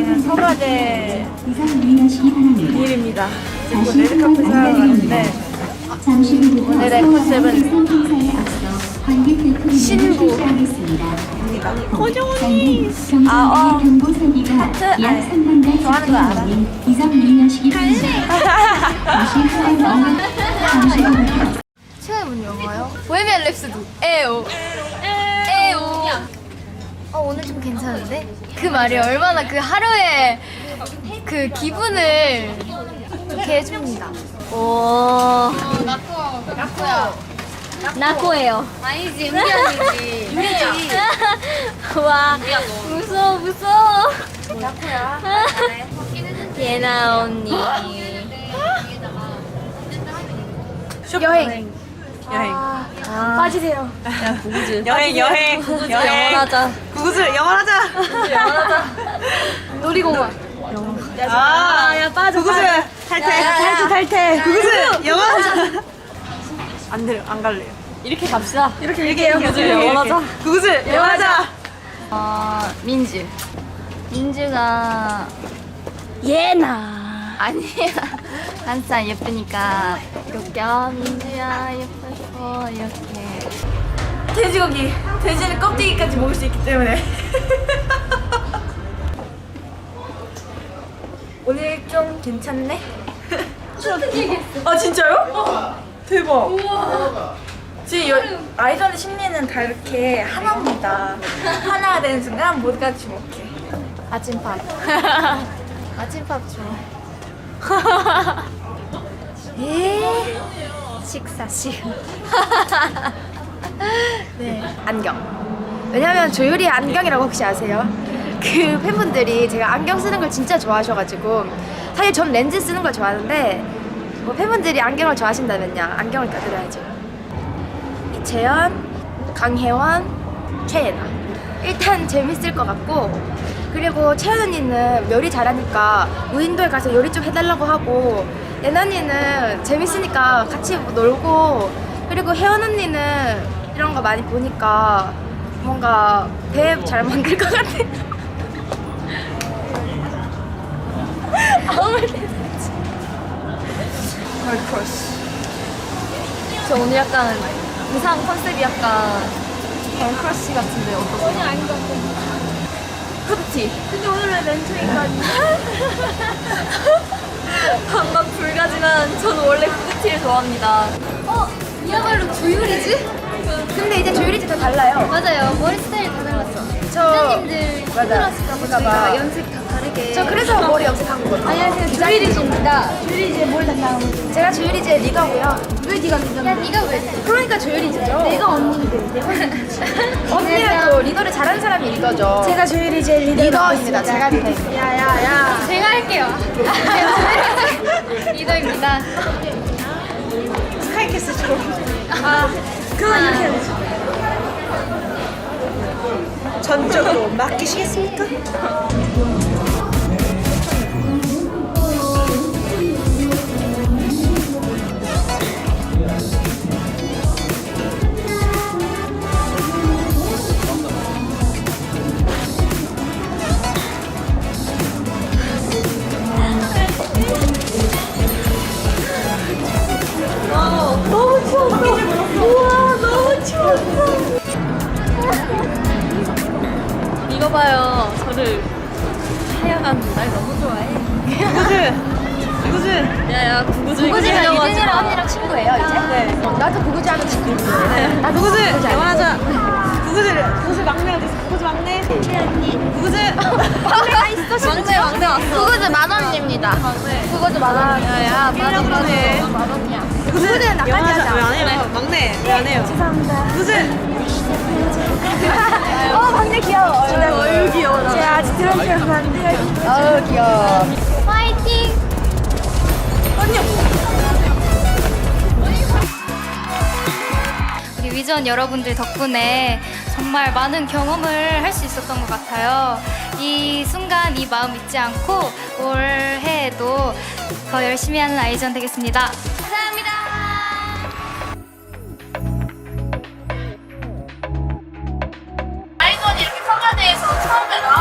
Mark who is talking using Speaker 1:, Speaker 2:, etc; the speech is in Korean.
Speaker 1: 저희는 서가대 일입니다. 지금 레드카펫 사러 가는데 오늘의 컨셉은 신부입니다. 고정 언니! 하트? 아니, 좋아하는 거 알아.
Speaker 2: 시간이 뭔 영화요? 보헤미안 랩소디. 에오. 에오. 오늘 좀 괜찮은데? 그 말이 얼마나 그 하루의 그 기분을 좋게 해줍니다. 오. 나코예요. 아니지, 우리 언니지. 유리지. 와, 무서워. 나코야. 예나 언니. 여행. 빠지세요.
Speaker 1: 여행.
Speaker 2: 영원하자.
Speaker 1: 구구슬 영원하자.
Speaker 2: 놀이공원.
Speaker 1: 야 빠져. 구구슬 탈퇴. 구구슬 영원하자. 안 갈래요.
Speaker 2: 이렇게 갑시다.
Speaker 1: 이렇게 구구슬
Speaker 2: 영원하자.
Speaker 1: 구구슬 영원하자.
Speaker 2: 민주가 예나 아니야. 항상 예쁘니까 이렇게 민주야 예뻐서 이렇게.
Speaker 1: 돼지고기. 돼지는 껍데기까지 먹을 수 있기 때문에. 오늘 좀 괜찮네? 아 진짜요? 대박. 지금 아이돌의 심리는 다 이렇게 하나입니다. 하나가 되는 순간 모두가 주목해.
Speaker 2: 아침밥. 아침밥 좋아. 식사 시간.
Speaker 3: 네, 안경. 왜냐면 조율이 안경이라고 혹시 아세요? 그 팬분들이 제가 안경 쓰는 걸 진짜 좋아하셔가지고 사실 전 렌즈 쓰는 걸 좋아하는데 뭐 팬분들이 안경을 좋아하신다면요 안경을 껴드려야죠. 이채연, 강혜원, 최예나 일단 재밌을 것 같고 그리고 채연 언니는 요리 잘하니까 무인도에 가서 요리 좀 해달라고 하고 예나 언니는 재밌으니까 같이 뭐 놀고 그리고 혜원 언니는 이런 거 많이 보니까 뭔가 배 잘 만들 것 같아.
Speaker 1: 걸크러쉬.
Speaker 2: 저 오늘 약간 의상 컨셉이 약간 걸크러쉬 같은데 어떠세요? 전혀 아닌 것 같아요. 후드티. 근데 오늘은 렌트인가 반반 불가지만 저는 원래 후드티를 좋아합니다. 이야말로 조율이지?
Speaker 3: 근데 이제 조율이 좀 달라요.
Speaker 2: 맞아요. 머리 스타일 다 달랐어.
Speaker 3: 저
Speaker 2: 팀장님들
Speaker 3: 맞아.
Speaker 2: 힘들었을까
Speaker 3: 봐.
Speaker 2: 봐 연습 다 다르게.
Speaker 3: 저 그래서 머리 염색한 거거든요.
Speaker 2: 안녕하세요. 조율이지입니다. 조율이지의 뭘 담당하고 있어요?
Speaker 3: 제가 조율이제 리더고요.
Speaker 2: 왜 네가 리더인데? 야 네가 왜?
Speaker 3: 그러니까 조율이제죠.
Speaker 2: 내가 언니인데. 내가
Speaker 3: 언니는 또 리더를 잘하는 사람이 리더죠.
Speaker 2: 제가 조율이제
Speaker 3: 리더입니다. 제가 리더입니다.
Speaker 2: 야야야. 제가 할게요. 리더입니다.
Speaker 1: 스카이캐슬처럼. 그건 이렇게 해야지. 전적으로 맡기시겠습니까?
Speaker 2: 이거 봐요. 저를 하여간 날 너무 좋아해.
Speaker 1: 구구슬.
Speaker 2: 야야 구구즈.
Speaker 3: 구구즈가 유진이랑 언니랑 친구예요 이제? 네. 나도 구구즈 하는 친구인데. 나도
Speaker 1: 구구슬 영원하자. 구구슬 막내가 됐어. 구구슬 막내. 구구슬.
Speaker 3: 막내가 있어.
Speaker 2: 막내 왔어.
Speaker 3: 구구즈 만원입니다. 구구즈 만원.
Speaker 2: 야야
Speaker 1: 그러네.
Speaker 2: 만원이야.
Speaker 3: 구구즈는 나까지
Speaker 1: 영원하자.
Speaker 3: 하자.
Speaker 1: 왜 안 해요? 막내. 왜 안 해요?
Speaker 3: 죄송합니다.
Speaker 1: 구구슬.
Speaker 3: 막내 귀여워.
Speaker 2: 어유 귀여워.
Speaker 3: 자, 아직 들어주면 안 돼요. 귀여워.
Speaker 2: 파이팅. 우리 위전 여러분들 덕분에 정말 많은 경험을 할 수 있었던 것 같아요. 이 순간 이 마음 잊지 않고 올해에도 더 열심히 하는 아이전 되겠습니다. 감사합니다.
Speaker 1: 아이돌이 이렇게 성가대에서 처음 뵈러